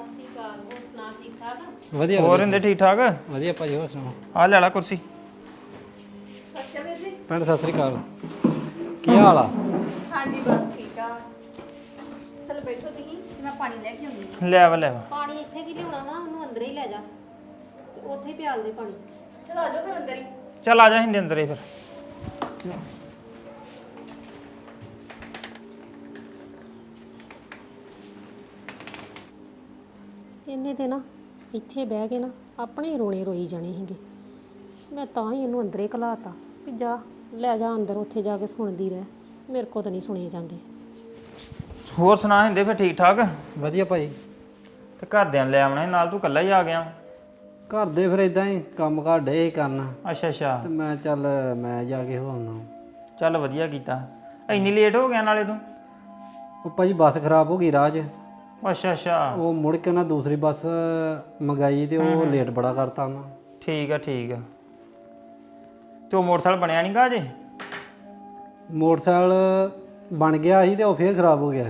[SPEAKER 8] ਵਧੀਆ
[SPEAKER 2] ਹੋਰ ਹੁੰਦੇ ਠੀਕ ਠਾਕ?
[SPEAKER 8] ਵਧੀਆ ਭਾਜੀ, ਹੋਰ ਸੁਣਾਓ?
[SPEAKER 2] ਆ ਲੈ ਲਾ ਕੁਰਸੀ।
[SPEAKER 8] ਭੈਣ ਸਤਿ ਸ੍ਰੀ ਅਕਾਲ, ਕੀ ਹਾਲ ਆ?
[SPEAKER 6] ਹਾਂਜੀ ਬਸ ਠੀਕ ਆ। ਚਲ ਬੈਠੋ ਤੁਸੀਂ, ਮੈਂ ਪਾਣੀ ਲੈ ਕੇ ਆਉਂਦੀ ਹਾਂ।
[SPEAKER 2] ਲੈ ਵਾ
[SPEAKER 1] ਪਾਣੀ ਇੱਥੇ ਕੀ ਲਿਆਉਣਾ ਵਾ, ਉਹਨੂੰ ਅੰਦਰ ਹੀ ਲੈ ਜਾ ਤੇ ਉੱਥੇ ਹੀ ਪਿਆਲ ਦੇ ਪਾਣੀ।
[SPEAKER 6] ਚਲ ਆ ਜਾਓ ਫਿਰ ਅੰਦਰ ਹੀ।
[SPEAKER 2] ਚੱਲ ਆ ਜਾ ਹਿੰਦੇ ਅੰਦਰ ਹੀ ਫਿਰ।
[SPEAKER 1] ਇਹਨੇ ਤੇ ਨਾ ਇੱਥੇ ਬਹਿ ਕੇ ਨਾ ਆਪਣੇ ਰੋਣੇ ਰੋਈ ਜਾਣੇ ਸੀਗੇ। ਮੈਂ ਤਾਂ ਹੀ ਇਹਨੂੰ ਅੰਦਰੇ ਘਲਾਤਾ ਵੀ ਜਾ ਲੈ ਜਾ ਅੰਦਰ, ਉੱਥੇ ਜਾ ਕੇ ਸੁਣਦੀ ਰਹਿ। ਮੇਰੇ ਕੋਲ ਤਾਂ ਨਹੀਂ ਸੁਣੇ ਜਾਂਦੇ।
[SPEAKER 2] ਹੋਰ ਸੁਣਾ ਹਿੰਦੇ ਫਿਰ ਠੀਕ ਠਾਕ?
[SPEAKER 8] ਵਧੀਆ ਭਾਈ।
[SPEAKER 2] ਤੇ ਘਰਦਿਆਂ ਨੂੰ ਲੈ ਆਉਣਾ ਸੀ ਨਾਲ, ਤੂੰ ਇਕੱਲਾ ਹੀ ਆ ਗਿਆ?
[SPEAKER 8] ਘਰ ਦੇ ਫਿਰ ਇਦਾਂ ਹੀ ਕੰਮ ਕਾਰ ਡੇ ਕਰਨਾ
[SPEAKER 2] ਅੱਛਾ ਅੱਛਾ,
[SPEAKER 8] ਤੇ ਮੈਂ ਚੱਲ ਮੈਂ ਜਾ ਕੇ ਹੋ ਆਉਣਾ।
[SPEAKER 2] ਚੱਲ ਵਧੀਆ ਕੀਤਾ। ਇੰਨੀ ਲੇਟ ਹੋ ਗਿਆ ਨਾਲੇ ਤੂੰ?
[SPEAKER 8] ਉਹ ਭਾਜੀ ਬੱਸ ਖਰਾਬ ਹੋ ਗਈ ਰਾਹ 'ਚ।
[SPEAKER 2] ਅੱਛਾ ਅੱਛਾ,
[SPEAKER 8] ਉਹ ਮੁੜ ਕੇ ਉਹਨਾਂ ਦੂਸਰੀ ਬੱਸ ਮੰਗਾਈ ਤੇ ਉਹ ਲੇਟ ਬੜਾ ਕਰਤਾ ਉਹਨਾਂ।
[SPEAKER 2] ਠੀਕ ਆ ਠੀਕ ਆ। ਤੇ ਉਹ ਮੋਟਰਸਾਈਕਲ ਬਣਿਆ ਨਹੀਂ ਗਾ ਅਜੇ?
[SPEAKER 8] ਮੋਟਰਸਾਈਕਲ ਬਣ ਗਿਆ ਸੀ ਤੇ ਉਹ ਫੇਰ ਖਰਾਬ ਹੋ ਗਿਆ।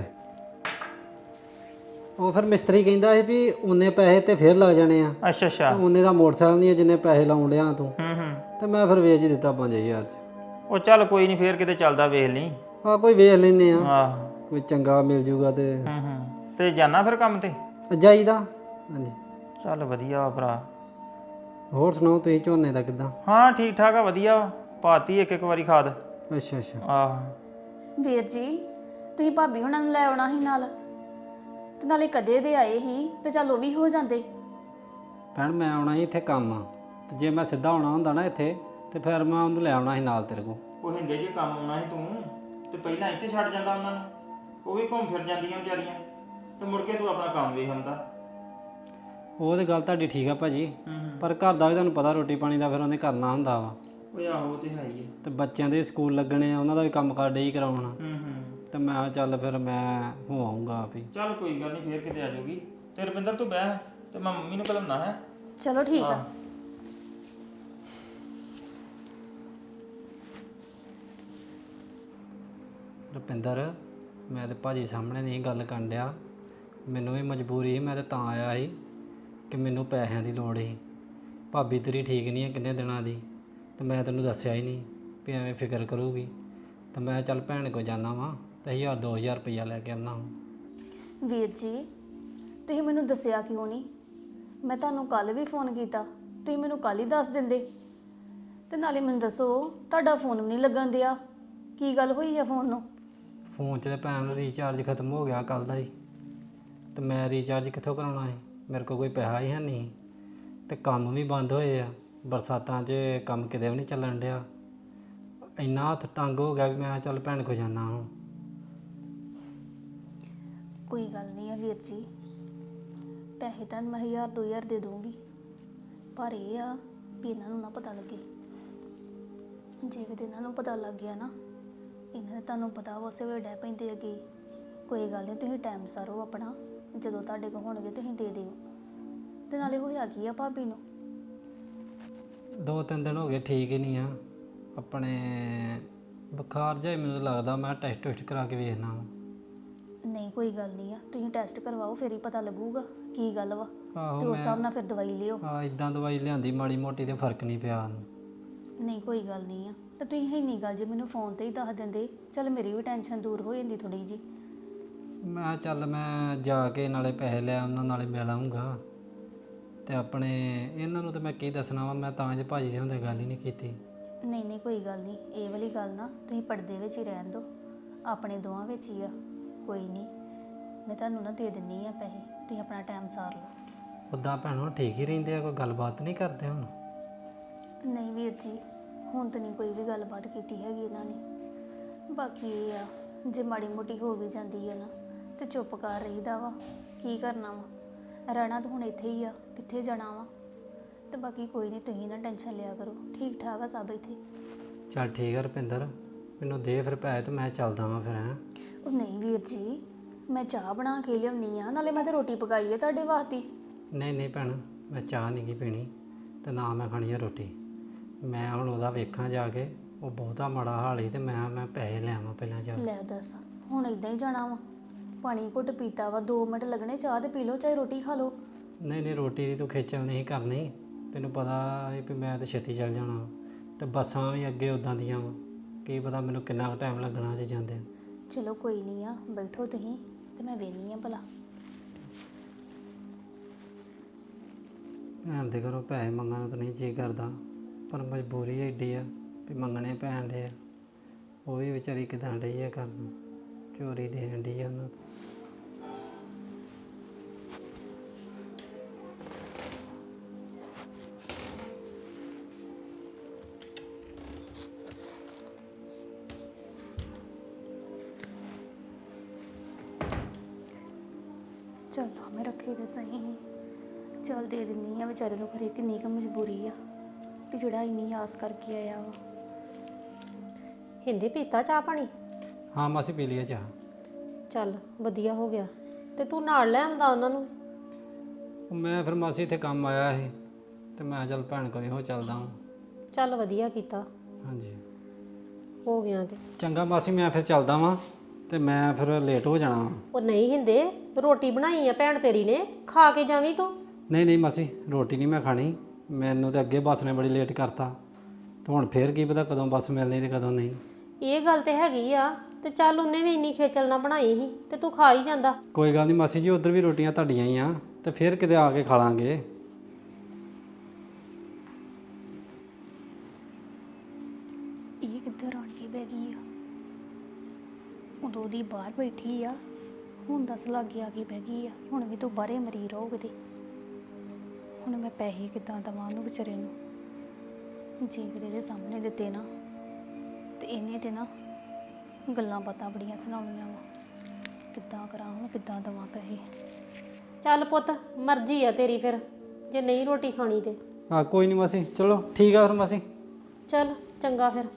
[SPEAKER 8] ਉਹ ਫਿਰ ਮਿਸਤਰੀ ਕਹਿੰਦਾ ਸੀ ਵੀ ਉਨੇ ਪੈਸੇ ਤੇ ਫੇਰ ਲੱਗ ਜਾਣੇ ਆ,
[SPEAKER 2] ਅੱਛਾ ਅੱਛਾ।
[SPEAKER 8] ਉਨੇ ਦਾ ਮੋਟਰਸਾਈਕਲ ਨਹੀਂ ਜਿੰਨੇ ਪੈਸੇ ਲਾਉਣ ਡਿਆ ਤੂੰ।
[SPEAKER 2] ਹੂੰ।
[SPEAKER 8] ਤੇ ਮੈਂ ਫਿਰ ਵੇਚ ਹੀ ਦਿੱਤਾ 5000 'ਚ।
[SPEAKER 2] ਉਹ ਚੱਲ ਕੋਈ ਨਹੀਂ, ਫੇਰ ਕਿਤੇ ਚੱਲਦਾ ਵੇਖ ਲਈ।
[SPEAKER 8] ਆ ਕੋਈ ਵੇਖ ਲੈਨੇ ਆ,
[SPEAKER 2] ਆਹ
[SPEAKER 8] ਕੋਈ ਚੰਗਾ ਮਿਲ ਜੂਗਾ ਤੇ
[SPEAKER 2] ਹੂੰ। ਤੇ ਜਾਣਾ ਫਿਰ ਕੰਮ ਤੇ?
[SPEAKER 8] ਜਾਈਦਾ। ਹਾਂਜੀ।
[SPEAKER 2] ਚੱਲ ਵਧੀਆ ਵਾ ਭਰਾ।
[SPEAKER 8] ਹੋਰ ਸੁਣਾਓ ਤੁਸੀਂ ਝੋਨੇ ਦਾ ਕਿੱਦਾਂ?
[SPEAKER 2] ਹਾਂ ਠੀਕ ਠਾਕ ਆ, ਵਧੀਆ ਵਾ। ਪਾਤੀ ਇੱਕ ਵਾਰੀ ਖਾਦ।
[SPEAKER 8] ਅੱਛਾ ਅੱਛਾ।
[SPEAKER 2] ਆਹ
[SPEAKER 6] ਵੀਰ ਜੀ, ਤੁਸੀਂ ਭਾਬੀ ਹੁਣਾਂ ਨੂੰ ਲੈ ਆਉਣਾ ਸੀ ਨਾਲ, ਤੇ ਨਾਲੇ ਕਦੇ ਦੇ ਆਏ ਸੀ ਤੇ ਚੱਲ ਉਹ ਵੀ ਹੋ ਜਾਂਦੇ।
[SPEAKER 8] ਭੈਣ ਮੈਂ ਆਉਣਾ ਸੀ ਇੱਥੇ ਕੰਮ ਆ, ਤੇ ਜੇ ਮੈਂ ਸਿੱਧਾ ਆਉਣਾ ਹੁੰਦਾ ਨਾ ਇੱਥੇ ਤੇ ਫਿਰ ਮੈਂ ਉਹਨੂੰ ਲੈ ਆਉਣਾ ਸੀ ਨਾਲ ਤੇਰੇ ਕੋਲ।
[SPEAKER 2] ਉਹ ਹਿੰਦੇ ਜੇ ਕੰਮ ਆਉਣਾ ਸੀ ਤੂੰ ਤੇ ਪਹਿਲਾਂ ਇੱਥੇ ਛੱਡ ਜਾਂਦਾ ਉਹਨਾਂ ਨੂੰ। ਉਹ ਵੀ ਘੁੰਮ ਫਿਰ ਜਾਂਦੀਆਂ ਵਿਚਾਰੀਆਂ, ਤੇ ਮੁੜ ਕੇ ਤੂੰ ਆਪਣਾ ਕੰਮ ਵੇਖ ਹੁੰਦਾ।
[SPEAKER 8] ਉਹ ਤੇ ਗੱਲ ਤੁਹਾਡੀ ਠੀਕ ਆ ਭਾਜੀ, ਪਰ ਘਰ ਦਾ ਵੀ ਤੁਹਾਨੂੰ ਪਤਾ ਰੋਟੀ ਪਾਣੀ ਦਾ ਫਿਰ ਉਹਨੇ ਕਰਨਾ ਹੁੰਦਾ ਵਾ।
[SPEAKER 2] ਉਹ ਆਹੋ ਉਹ ਤੇ ਹੈ ਹੀ ਆ।
[SPEAKER 8] ਤੇ ਬੱਚਿਆਂ ਦੇ ਸਕੂਲ ਲੱਗਣੇ ਆ, ਉਹਨਾਂ ਦਾ ਵੀ ਕੰਮ ਕਾਰ ਡੇ ਹੀ ਕਰਾਉਣਾ।
[SPEAKER 2] ਹੂੰ।
[SPEAKER 8] ਤੇ ਮੈਂ ਕਿਹਾ ਚੱਲ ਫਿਰ ਮੈਂ ਹੋ ਆਊਂਗਾ ਆਪ ਹੀ।
[SPEAKER 2] ਚੱਲ ਕੋਈ ਗੱਲ ਨਹੀਂ, ਫੇਰ ਕਿਤੇ ਆ ਜਾਊਗੀ। ਤੇ ਰੁਪਿੰਦਰ ਤੂੰ ਬਹਿ ਤੇ ਮੈਂ ਮੰਮੀ ਨੂੰ ਘਲਣਾ ਹੈ।
[SPEAKER 6] ਚਲੋ ਠੀਕ ਆ।
[SPEAKER 8] ਰੁਪਿੰਦਰ, ਮੈਂ ਤੇ ਭਾਜੀ ਸਾਹਮਣੇ ਨਹੀਂ ਗੱਲ ਕਰਨ ਡਿਆ। ਮੈਨੂੰ ਵੀ ਮਜਬੂਰੀ ਸੀ, ਮੈਂ ਤੇ ਤਾਂ ਆਇਆ ਸੀ ਕਿ ਮੈਨੂੰ ਪੈਸਿਆਂ ਦੀ ਲੋੜ ਸੀ। ਭਾਬੀ ਤੇਰੀ ਠੀਕ ਨਹੀਂ ਹੈ ਕਿੰਨੇ ਦਿਨਾਂ ਦੀ, ਤੇ ਮੈਂ ਤੈਨੂੰ ਦੱਸਿਆ ਹੀ ਨਹੀਂ ਵੀ ਐਵੇਂ ਫਿਕਰ ਕਰੂਗੀ। ਤੇ ਮੈਂ ਚੱਲ ਭੈਣ ਕੋਲ ਜਾਣਾ ਵਾਂ ਤੇ 1000-2000 ਰੁਪਈਆ ਲੈ ਕੇ ਆਉਣਾ।
[SPEAKER 6] ਵੀਰ ਜੀ, ਤੁਸੀਂ ਮੈਨੂੰ ਦੱਸਿਆ ਕਿਉਂ ਨਹੀਂ? ਮੈਂ ਤੁਹਾਨੂੰ ਕੱਲ ਵੀ ਫੋਨ ਕੀਤਾ, ਤੁਸੀਂ ਮੈਨੂੰ ਕੱਲ ਹੀ ਦੱਸ ਦਿੰਦੇ। ਤੇ ਨਾਲੇ ਮੈਨੂੰ ਦੱਸੋ, ਤੁਹਾਡਾ ਫੋਨ ਵੀ ਨਹੀਂ ਲੱਗਣ ਦਿਆ, ਕੀ ਗੱਲ ਹੋਈ ਆ ਫੋਨ ਨੂੰ?
[SPEAKER 8] ਫੋਨ 'ਚ ਤੇ ਭੈਣ ਰੀਚਾਰਜ ਖਤਮ ਹੋ ਗਿਆ ਕੱਲ ਦਾ ਹੀ, ਤੇ ਮੈਂ ਰੀਚਾਰਜ ਕਿੱਥੋਂ ਕਰਾਉਣਾ ਸੀ? ਮੇਰੇ ਕੋਲ ਕੋਈ ਪੈਸਾ ਹੀ ਹੈ ਨਹੀਂ, ਤੇ ਕੰਮ ਵੀ ਬੰਦ ਹੋਏ ਆ। ਬਰਸਾਤਾਂ 'ਚ ਕੰਮ ਕਿਤੇ ਵੀ ਨਹੀਂ ਚੱਲਣ ਡਿਆ। ਇੰਨਾ ਹੱਥ ਤੰਗ ਹੋ ਗਿਆ ਵੀ ਮੈਂ ਚੱਲ ਭੈਣ ਕੋਲ ਜਾਣਾ ਹੁਣ।
[SPEAKER 6] ਕੋਈ ਗੱਲ ਨਹੀਂ ਆ ਵੀਰ ਜੀ, ਪੈਸੇ ਤਾਂ ਮੈਂ 1000-2000 ਦੇ ਦੂੰਗੀ, ਪਰ ਇਹ ਆ ਵੀ ਇਹਨਾਂ ਨੂੰ ਨਾ ਪਤਾ ਲੱਗੇ। ਜੇ ਕਿਤੇ ਇਹਨਾਂ ਨੂੰ ਪਤਾ ਲੱਗ ਗਿਆ ਨਾ, ਇਹਨਾਂ ਨੇ ਤੁਹਾਨੂੰ ਪਤਾ ਵਾ ਉਸੇ ਵੇਲੇ ਡੈ ਪੈਂਦੇ ਅੱਗੇ। ਕੋਈ ਗੱਲ ਨਹੀਂ, ਤੁਸੀਂ ਟਾਈਮ ਸਾਰੋ ਆਪਣਾ, ਜਦੋਂ ਤੁਹਾਡੇ ਕੋਲ ਹੋਣਗੇ ਤੁਸੀਂ ਦੇ ਦਿਓ। ਤੇ ਨਾਲੇ ਹੋਇਆ ਕੀ ਆ ਭਾਬੀ ਨੂੰ?
[SPEAKER 8] 2-3 ਦਿਨ ਹੋ ਗਏ ਠੀਕ ਹੀ ਨਹੀਂ ਆ। ਆਪਣੇ ਬੁਖਾਰ ਜਿਹਾ ਮੈਨੂੰ ਲੱਗਦਾ, ਮੈਂ ਟੈਸਟ ਟੁਸਟ ਕਰਾ ਕੇ ਵੇਖਣਾ ਵਾ।
[SPEAKER 6] ਨਹੀਂ ਕੋਈ ਗੱਲ ਨਹੀਂ ਆ, ਤੁਸੀਂ ਟੈਸਟ ਕਰਵਾਓ, ਫਿਰ ਹੀ ਪਤਾ ਲੱਗੂਗਾ ਕੀ ਗੱਲ ਵਾ।
[SPEAKER 8] ਆਹੋ
[SPEAKER 6] ਤੇ ਉਸ ਹਿਸਾਬ ਨਾਲ ਫਿਰ ਦਵਾਈ ਲਿਓ।
[SPEAKER 8] ਇਦਾਂ ਦਵਾਈ ਲਿਆਂਦੀ ਮਾੜੀ ਮੋਟੀ ਤੇ ਫਰਕ ਨਹੀਂ ਪਿਆ ਉਹਨੂੰ।
[SPEAKER 6] ਨਹੀਂ ਕੋਈ ਗੱਲ ਨਹੀਂ ਆ, ਤੇ ਤੁਸੀਂ ਇੰਨੀ ਗੱਲ ਜੇ ਮੈਨੂੰ ਫੋਨ ਤੇ ਹੀ ਦੱਸ ਦਿੰਦੇ, ਚੱਲ ਮੇਰੀ ਵੀ ਟੈਨਸ਼ਨ ਦੂਰ ਹੋ ਜਾਂਦੀ ਥੋੜੀ ਜੀ।
[SPEAKER 8] ਮੈਂ ਚੱਲ ਮੈਂ ਜਾ ਕੇ ਨਾਲੇ ਪੈਸੇ ਲੈ ਉਹਨਾਂ ਨਾਲੇ ਮਿਲ ਆਊਂਗਾ। ਤੇ ਆਪਣੇ ਇਹਨਾਂ ਨੂੰ ਤਾਂ ਮੈਂ ਕੀ ਦੱਸਣਾ ਵਾ, ਮੈਂ ਤਾਂ ਜੇ ਭਾਜੀ ਦੇ ਹੁੰਦੇ ਗੱਲ ਹੀ ਨਹੀਂ ਕੀਤੀ।
[SPEAKER 6] ਨਹੀਂ ਕੋਈ ਗੱਲ ਨਹੀਂ, ਇਹ ਵਾਲੀ ਗੱਲ ਨਾ ਤੁਸੀਂ ਪਰਦੇ ਵਿੱਚ ਹੀ ਰਹਿਣ ਦਿਓ, ਆਪਣੇ ਦੋਵਾਂ ਵਿੱਚ ਹੀ ਆ। ਕੋਈ ਨਹੀਂ, ਮੈਂ ਤੁਹਾਨੂੰ ਨਾ ਦੇ ਦਿੰਨੀ ਆ ਪੈਸੇ, ਤੁਸੀਂ ਆਪਣਾ ਟਾਈਮ ਸਾਰ ਲਓ।
[SPEAKER 8] ਉੱਦਾਂ ਭੈਣੋ ਠੀਕ ਹੀ ਰਹਿੰਦੇ ਆ, ਕੋਈ ਗੱਲਬਾਤ ਨਹੀਂ ਕਰਦੇ ਹੁਣ?
[SPEAKER 6] ਨਹੀਂ ਵੀਰ ਜੀ, ਹੁਣ ਤਾਂ ਨਹੀਂ ਕੋਈ ਵੀ ਗੱਲਬਾਤ ਕੀਤੀ ਹੈਗੀ ਇਹਨਾਂ ਨੇ। ਬਾਕੀ ਇਹ ਆ, ਜੇ ਮਾੜੀ ਮੋਟੀ ਹੋ ਵੀ ਜਾਂਦੀ ਹੈ ਨਾ ਤੇ ਚੁੱਪ ਕਰ ਰਹੀਦਾ ਵਾ। ਕੀ ਕਰਨਾ ਵਾ, ਰਹਿਣਾ ਤਾਂ ਹੁਣ ਇੱਥੇ ਹੀ ਆ, ਕਿੱਥੇ ਜਾਣਾ ਵਾ। ਤੇ ਬਾਕੀ ਕੋਈ ਨਹੀਂ, ਤੁਸੀਂ ਨਾ ਟੈਨਸ਼ਨ ਲਿਆ ਕਰੋ, ਠੀਕ ਠਾਕ ਆ ਸਭ ਇੱਥੇ।
[SPEAKER 8] ਚੱਲ ਠੀਕ ਆ ਰੁਪਿੰਦਰ, ਮੈਨੂੰ ਦੇ ਫਿਰ ਪੈਸੇ ਤੇ ਮੈਂ ਚੱਲਦਾ ਵਾਂ ਫਿਰ। ਹੈਂ
[SPEAKER 6] ਉਹ ਨਹੀਂ ਵੀਰ ਜੀ, ਮੈਂ ਚਾਹ ਬਣਾ ਕੇ ਲਿਆਉਣੀ ਆ, ਨਾਲੇ ਮੈਂ ਤਾਂ ਰੋਟੀ ਪਕਾਈ ਹੈ ਤੁਹਾਡੇ ਵਾਸਤੇ।
[SPEAKER 8] ਨਹੀਂ ਨਹੀਂ ਭੈਣ, ਮੈਂ ਚਾਹ ਨਹੀਂ ਗੀ ਪੀਣੀ ਤੇ ਨਾ ਮੈਂ ਖਾਣੀ ਆ ਰੋਟੀ। ਮੈਂ ਹੁਣ ਉਹਦਾ ਵੇਖਾਂ ਜਾ ਕੇ, ਉਹ ਬਹੁਤਾ ਮਾੜਾ ਹਾਲ ਹੀ ਤੇ ਮੈਂ ਪੈਸੇ ਲੈ ਆਵਾਂ ਪਹਿਲਾਂ ਜਾ ਕੇ।
[SPEAKER 6] ਲੈ ਦੱਸ, ਹੁਣ ਇਦਾਂ ਹੀ ਜਾਣਾ ਵਾ? ਪਾਣੀ ਘੁੱਟ ਪੀਤਾ ਵਾ, 2 ਮਿੰਟ ਲੱਗਣੇ, ਚਾਹ ਤੇ ਪੀ ਲਓ, ਚਾਹੇ ਰੋਟੀ ਖਾ ਲਓ।
[SPEAKER 8] ਨਹੀਂ ਨਹੀਂ, ਰੋਟੀ ਦੀ ਤੂੰ ਖੇਚਲ ਨਹੀਂ ਕਰਨੀ, ਤੈਨੂੰ ਪਤਾ ਹੈ ਵੀ ਮੈਂ ਤਾਂ ਛੇਤੀ ਚੱਲ ਜਾਣਾ ਵਾ। ਤੇ ਬੱਸਾਂ ਵੀ ਅੱਗੇ ਉਦਾਂ ਦੀਆਂ ਵਾ, ਕੀ ਪਤਾ ਮੈਨੂੰ ਕਿੰਨਾ ਕੁ ਟਾਈਮ ਲੱਗਣਾ ਜੇ ਜਾਂਦੇ।
[SPEAKER 6] ਚਲੋ ਕੋਈ ਨਹੀਂ ਆ, ਬੈਠੋ ਤੁਸੀਂ ਤੇ ਮੈਂ ਵੇਖਦੀ ਆ ਭਲਾ।
[SPEAKER 8] ਭੈਣ ਦੇ ਘਰੋਂ ਪੈਸੇ ਮੰਗਣ ਨੂੰ ਤਾਂ ਨਹੀਂ ਜੀ ਕਰਦਾ, ਪਰ ਮਜਬੂਰੀ ਐਡੀ ਆ ਵੀ ਮੰਗਣੇ ਪੈਣ ਡੇ ਆ। ਉਹ ਵੀ ਵਿਚਾਰੀ ਕਿਦਾਂ ਡਈ ਆ ਕਰਨ, ਚੋਰੀ ਦੇਣ ਡਈ ਆ ਉਹਨਾਂ ਤੋਂ।
[SPEAKER 6] ਚਲ ਮੈਂ ਰੱਖੇ ਤੇ ਸਹੀ, ਚਲ ਦੇ ਦਿੰਦੀ ਆ ਵਿਚਾਰੇ ਨੂੰ। ਖਰੇ ਕਿੰਨੀ ਕੁ ਮਜਬੂਰੀ ਆ ਕਿ ਜਿਹੜਾ ਇੰਨੀ ਆਸ ਕਰਕੇ ਆਇਆ ਵਾ।
[SPEAKER 1] ਹਿੰਦੇ ਪੀਤਾ ਚਾਹ ਪਾਣੀ?
[SPEAKER 8] ਹਾਂ ਮਾਸੀ ਪੀ ਲਈਏ ਚਾਹ।
[SPEAKER 1] ਚੱਲ ਵਧੀਆ ਹੋ ਗਿਆ, ਤੇ ਤੂੰ ਨਾਲ ਲੈ ਆਉਂਦਾ ਉਹਨਾਂ ਨੂੰ।
[SPEAKER 8] ਉਹ ਮੈਂ ਫਿਰ ਮਾਸੀ ਇੱਥੇ ਕੰਮ ਆਇਆ ਸੀ ਤੇ ਮੈਂ ਚੱਲ ਭੈਣ ਕੋਲ ਇਹੋ ਚੱਲਦਾ ਹਾਂ।
[SPEAKER 1] ਚੱਲ ਵਧੀਆ ਕੀਤਾ,
[SPEAKER 8] ਹਾਂਜੀ
[SPEAKER 1] ਹੋ ਗਿਆ ਤੇ।
[SPEAKER 8] ਚੰਗਾ ਮਾਸੀ, ਮੈਂ ਫਿਰ ਚੱਲਦਾ ਵਾਂ ਤੇ ਮੈਂ ਫਿਰ ਲੇਟ ਹੋ ਜਾਣਾ ਵਾ।
[SPEAKER 1] ਉਹ ਨਹੀਂ ਹਿੰਦੇ, ਰੋਟੀ ਬਣਾਈ ਆ ਭੈਣ ਤੇਰੀ ਨੇ, ਖਾ ਕੇ ਜਾਵੀਂ ਤੂੰ।
[SPEAKER 8] ਨਹੀਂ ਨਹੀਂ ਮਾਸੀ, ਰੋਟੀ ਨਹੀਂ ਮੈਂ ਖਾਣੀ, ਮੈਨੂੰ ਤਾਂ ਅੱਗੇ ਬੱਸ ਨੇ ਬੜੀ ਲੇਟ ਕਰਤਾ ਤੇ ਹੁਣ ਫੇਰ ਕੀ ਪਤਾ ਕਦੋਂ ਬੱਸ ਮਿਲਣੀ ਤੇ ਕਦੋਂ ਨਹੀਂ।
[SPEAKER 1] ਇਹ ਗੱਲ ਤੇ ਹੈਗੀ ਆ, ਤੇ ਚੱਲ ਉਹਨੇ ਵੀ ਇੰਨੀ ਖੇਚਲ ਨਾ ਬਣਾਈ ਸੀ ਤੇ ਤੂੰ ਖਾ ਹੀ ਜਾਂਦਾ।
[SPEAKER 8] ਕੋਈ ਗੱਲ ਨਹੀਂ ਮਾਸੀ ਜੀ, ਉਧਰ ਵੀ ਰੋਟੀਆਂ ਤੁਹਾਡੀਆਂ ਹੀ ਆ ਤੇ ਫੇਰ ਕਿਤੇ ਆ ਕੇ ਖਾ ਲਾਂਗੇ।
[SPEAKER 6] ਇਹ ਕਿੱਧਰ ਆਣ ਕੇ ਬਹਿ ਗਈ ਆ? ਉਦੋਂ ਦੀ ਬਾਹਰ ਬੈਠੀ ਆ, ਹੁਣ ਦੱਸ ਲਾਗੇ ਆ ਕੇ ਬਹਿ ਗਈ ਆ। ਹੁਣ ਵੀ ਤੂੰ ਬਾਹਰੇ ਮਰੀ ਰਹੋ ਕਿਤੇ। ਹੁਣ ਮੈਂ ਪੈਸੇ ਕਿੱਦਾਂ ਦੇਵਾਂ ਉਹਨੂੰ ਵਿਚਾਰੇ ਨੂੰ? ਜੇ ਕਿਤੇ ਦੇ ਸਾਹਮਣੇ ਦਿੱਤੇ ਨਾ ਤੇ ਇਹਨੇ ਤੇ ਨਾ ਗੱਲਾਂ ਬਾਤਾਂ ਬੜੀਆਂ ਸੁਣਾਉਣੀਆਂ ਵਾ। ਕਿੱਦਾਂ ਕਰਾਂ ਹੁਣ, ਕਿੱਦਾਂ ਦੇਵਾਂ ਪੈਸੇ?
[SPEAKER 1] ਚੱਲ ਪੁੱਤ, ਮਰਜ਼ੀ ਆ ਤੇਰੀ, ਫਿਰ ਜੇ ਨਹੀਂ ਰੋਟੀ ਖਾਣੀ ਤੇ।
[SPEAKER 8] ਹਾਂ ਕੋਈ ਨਹੀਂ ਮਾਸੀ, ਚਲੋ ਠੀਕ ਆ ਫਿਰ ਮਾਸੀ।
[SPEAKER 1] ਚੱਲ ਚੰਗਾ ਫਿਰ।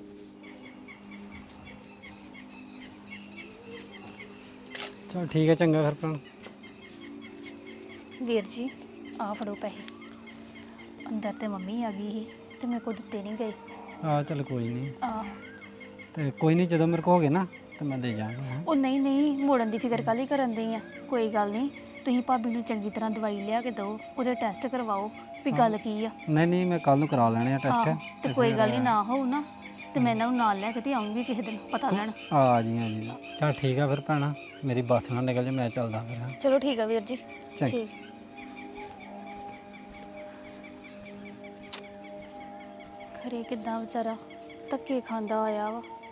[SPEAKER 8] ਚਲ ਠੀਕ ਹੈ, ਚੰਗਾ ਫਿਰ ਭੈਣ।
[SPEAKER 6] ਵੀਰ ਜੀ ਆ ਫੜੋ ਪੈਸੇ। ਅੰਦਰ ਤੇ ਮੰਮੀ ਆ ਗਈ ਸੀ ਤੇ ਮੇਰੇ ਕੋਲ ਦਿੱਤੇ ਨਹੀਂ ਗਏ।
[SPEAKER 8] ਆ ਚਲ ਕੋਈ ਨਹੀਂ,
[SPEAKER 6] ਆ
[SPEAKER 8] ਤੇ ਕੋਈ ਨਹੀਂ, ਜਦੋਂ ਮੇਰੇ ਕੋਲ ਹੋ ਗਏ ਨਾ ਤੇ ਮੈਂ ਦੇ ਜਾਵਾਂਗਾ। ਹੈਂ
[SPEAKER 6] ਉਹ ਨਹੀਂ ਨਹੀਂ, ਮੋੜਨ ਦੀ ਫਿਕਰ ਕਾਹਲੀ ਕਰਨ ਦੀ ਆ? ਕੋਈ ਗੱਲ ਨਹੀਂ, ਤੁਸੀਂ ਭਾਬੀ ਨੂੰ ਚੰਗੀ ਤਰ੍ਹਾਂ ਦਵਾਈ ਲਿਆ ਕੇ ਦਿਓ, ਉਹਦੇ ਟੈਸਟ ਕਰਵਾਓ ਵੀ ਗੱਲ ਕੀ ਆ।
[SPEAKER 8] ਨਹੀਂ ਨਹੀਂ, ਮੈਂ ਕੱਲ ਨੂੰ ਕਰਾ ਲੈਣੇ ਆ
[SPEAKER 6] ਆਹੋ,
[SPEAKER 8] ਟੈਸਟ।
[SPEAKER 6] ਤੇ ਕੋਈ ਗੱਲ ਨਹੀਂ, ਨਾ ਹੋਊ ਨਾ ਤੇ ਮੈਂ ਇਹਨਾਂ ਨੂੰ ਨਾਲ ਲੈ ਕੇ ਤੇ ਆਉਂਗੀ ਕਿਸੇ ਦਿਨ ਪਤਾ ਲੈਣ।
[SPEAKER 8] ਆ ਜੀ ਆ ਜੀ, ਚਲ ਠੀਕ ਆ ਫਿਰ ਭੈਣਾ, ਮੇਰੀ ਬੱਸ ਨਾ ਨਿਕਲ ਜੇ, ਮੈਂ ਚੱਲਦਾ ਫਿਰ। ਹੈਂ
[SPEAKER 6] ਚਲੋ ਠੀਕ ਆ ਵੀਰ ਜੀ।
[SPEAKER 8] ਚੰਗਾ।
[SPEAKER 6] ਠੀਕ। ਖਰੇ ਕਿੱਦਾਂ ਵਿਚਾਰਾ ਧੱਕੇ ਖਾਂਦਾ ਆਇਆ ਵਾ।